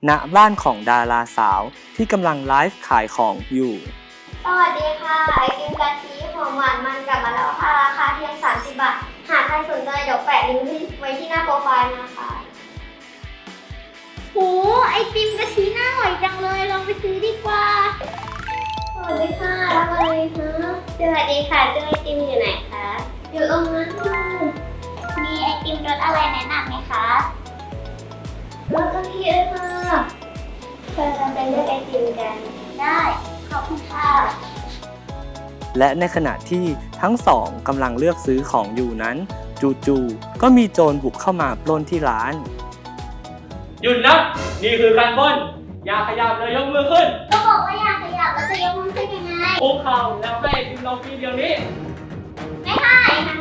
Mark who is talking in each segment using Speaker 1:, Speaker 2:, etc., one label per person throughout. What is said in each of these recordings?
Speaker 1: ณบ้านของดาราสาวที่กำลังไลฟ์ขายของอยู่
Speaker 2: สวัสดีค่ะไอติมกะทิหอมหวานมันกลับมาแล้วค่ะราคาเพียง30 บาทหากใครสนใจเดี๋ยวแปะลิงก์ไว้ที่หน้าโปรไฟล์นะคะโหไอติมกะทิน่าอร่อยจังเลยลองไปซื้อดีกว่าสวัสดีค่ะรับอะไรคะสวัสดีค่ะเจ้าไอติมอยู่ไหนคะอยู่ตรงนั้นค่ะมีไอติมรสอะไรแนะนำไหมคะรสกะทิเลยค่ะเราไปเลือกไอติมกันได้ขอบคุณค่ะ
Speaker 1: และในขณะที่ทั้งสองกำลังเลือกซื้อของอยู่นั้นจู่ๆก็มีโจรบุกเข้ามาปล้นที่ร้าน
Speaker 3: หยุดนะ นี่คือการปล้น อย่าขยับเลยยกมือขึ้น
Speaker 2: ก็บอกว่าอยากขยับแล้วจะยกมือขึ้นยังไง
Speaker 3: คุกเข่าแล้วให้ทีมเราฟรีเดี๋ยวนี้
Speaker 2: ไม่ให้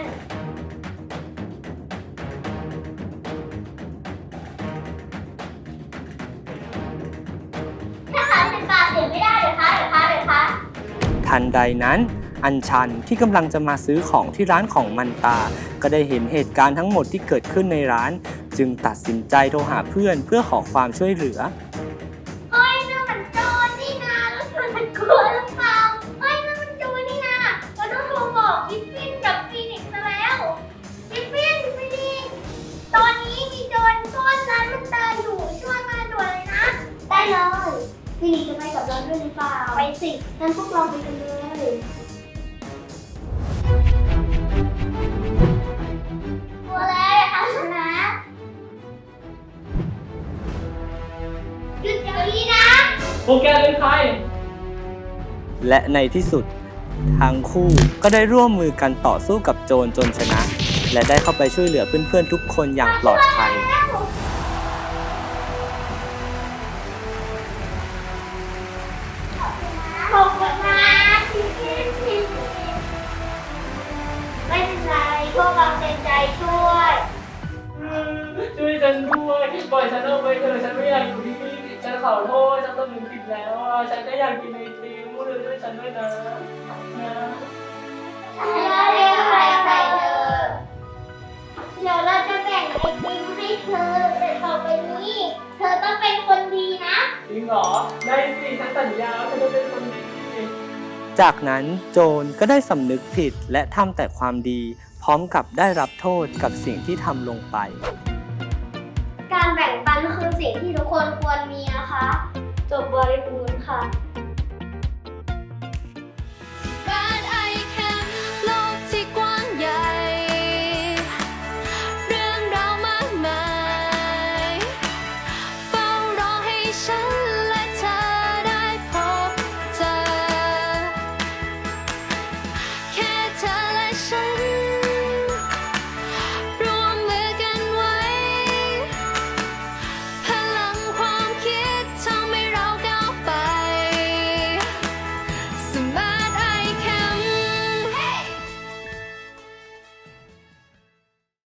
Speaker 2: ถ้าขาย10 บาทเดี๋ยวไม่ได้เดี๋ยวคะ
Speaker 1: ทันใดนั้นอัญชันที่กำลังจะมาซื้อของที่ร้านของมันตา ก็ได้เห็นเหตุการณ์ทั้งหมดที่เกิดขึ้นในร้าน จึงตัดสินใจโทรหาเพื่อนเพื่อขอความช่วยเหลือ
Speaker 2: เฮ้ยนั่นมันโจรนี่นาแล้วมันกลัวหรือเปล่าเฮ้ยนั่นมันโจรนี่นาเราต้องโทรบอกกิฟฟินกับฟีนิกซ์ซะแล้วกิฟฟินฟีนิกซ์ตอนนี้มีโจรปล้นร้านมันตาอยู่ช่วยมาด่วนเลยนะ ได้เลยฟีนิกซ์จะไปกับเราด้วยหรือเปล่าไปสิงั้นพวกเราไปกันเลยกลัวแล้วอย่าทำฉันนะหยุดเดี๋ยวนี้นะ
Speaker 3: พวกแกเป็นใคร
Speaker 1: และในที่สุดทั้งคู่ก็ได้ร่วมมือกันต่อสู้กับโจรจนชนะ และได้เข้าไปช่วยเหลือเพื่อนๆทุกคนอย่างปลอดภัย
Speaker 2: ขอบคุณนะที่ไม่เป็นไรพวกเราเต็มใจช่วย
Speaker 3: ช่วยฉันด้วยปล่อยฉันออกไปเถอะฉันไม่อยากอยู่ที่นี่ฉันขอโทษฉันสำนึกผิดแล้วอ่ะฉันก็อยากกินไอติมช่วยฉันด้วยนะนะ
Speaker 2: ไม่ได้อะไรใส่เธอเดี๋ยวเราจะแบ่งไอติมให้เธอแต่ต่อไปนี้ เธอต้องเป็นคนดีนะ
Speaker 3: จริงเหรอ ได้สิฉันสัญญาว่าฉันจะเป็นคนดี
Speaker 1: จากนั้นโจรก็ได้สำนึกผิดและทำแต่ความดี พร้อมกับได้รับโทษกับสิ่งที่ทำลงไป
Speaker 2: การแบ่งปันคือสิ่งที่ทุกคนควรมีนะคะ จบบริบูรณ์ค่ะ
Speaker 4: บ้านไอแคมป์โลกที่กว้างใหญ่ เรื่องราวมากมายเฝ้ารอให้ฉัน